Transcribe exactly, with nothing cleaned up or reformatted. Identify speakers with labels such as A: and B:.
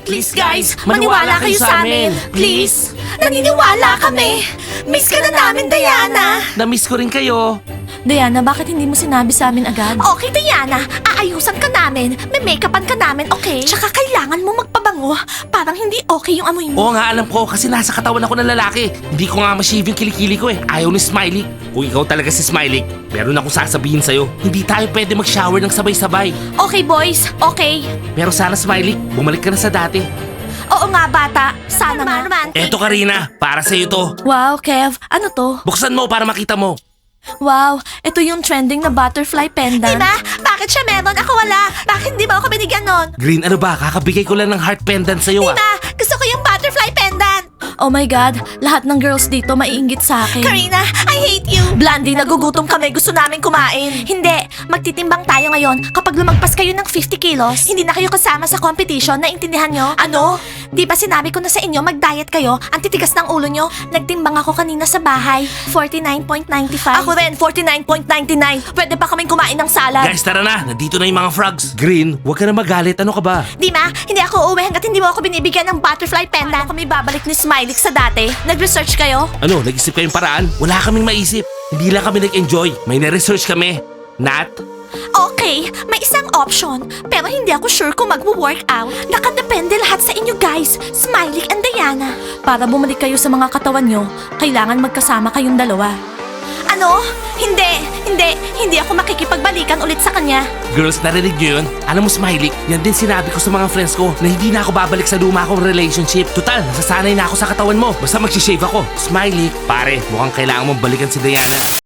A: Please guys, maniwala kayo sa amin. Please. Naniniwala kami. Miss ka na namin, Diana.
B: Na-miss ko rin kayo.
A: Diana, bakit hindi mo sinabi sa amin agad? Okay, Diana. Aayusan ka namin. May make-upan ka namin, okay? Tsaka kailangan mo magpabango. Parang hindi okay yung amoy mo.
B: Oo nga, alam ko kasi nasa katawan ako ng lalaki. Hindi ko nga ma-shave yung kilikili ko eh. Ayaw ni Smiley. Kung ikaw talaga si Smiley, meron akong sasabihin sa'yo. Hindi tayo pwede mag-shower ng sabay-sabay.
A: Okay, boys. Okay.
B: Pero sana Smiley, bumalik ka na sa dati.
A: Oo nga, bata. Sana nga.
B: Eto Karina, para sa'yo to.
A: Wow, Kev. Ano to?
B: Buksan mo para makita mo.
A: Wow, ito yung trending na butterfly pendant. Diba? Bakit siya meron? Ako wala. Bakit hindi ba ako binigyan nun?
B: Green, ano ba? Kakabigay ko lang ng heart pendant sa'yo ah.
A: Diba? Gusto ko yung butterfly pendant. Oh my God, lahat ng girls dito maiinggit sa akin. Karina, I hate you. Blandy, nagugutom kami. Gusto namin kumain. Hindi. Magtitimbang tayo ngayon. Kapag lumagpas kayo ng fifty kilos, hindi na kayo kasama sa competition. Naintindihan nyo? Ano? Di ba sinabi ko na sa inyo mag-diet kayo? Ang titigas ng ulo nyo. Nagtimbang ako kanina sa bahay. forty-nine point nine five. Ako rin, forty-nine point nine nine. Pwede pa kaming kumain ng salad.
B: Guys, tara na. Nandito na yung mga frogs. Green, huwag ka na magalit. Ano ka ba?
A: Di ma, hindi ako uuwi hanggat hindi mo ako binibigyan ng butterfly pendant. Paano kami babalik ni Smiley sa dati? Nag-research kayo?
B: Ano, nag-isip kayong paraan? Wala kaming maisip. Hindi lang kami nag-enjoy. May na-research kami. Nat?
A: Okay, may isang option. Pero hindi ako sure kung magwo-workout. Nakadepende lahat sa inyo guys, Smiley and Diana. Para bumalik kayo sa mga katawan nyo, kailangan magkasama kayong dalawa. Ano? Hindi, hindi, hindi ako makikipagbalikan ulit sa kanya.
B: Girls, narinig nyo yun? Alam mo, Smiley, yan din sinabi ko sa mga friends ko na hindi na ako babalik sa luma kong relationship. Total, nasasanay na ako sa katawan mo. Basta mag-shave ako. Smiley, pare, mukhang kailangan mong balikan si Diana.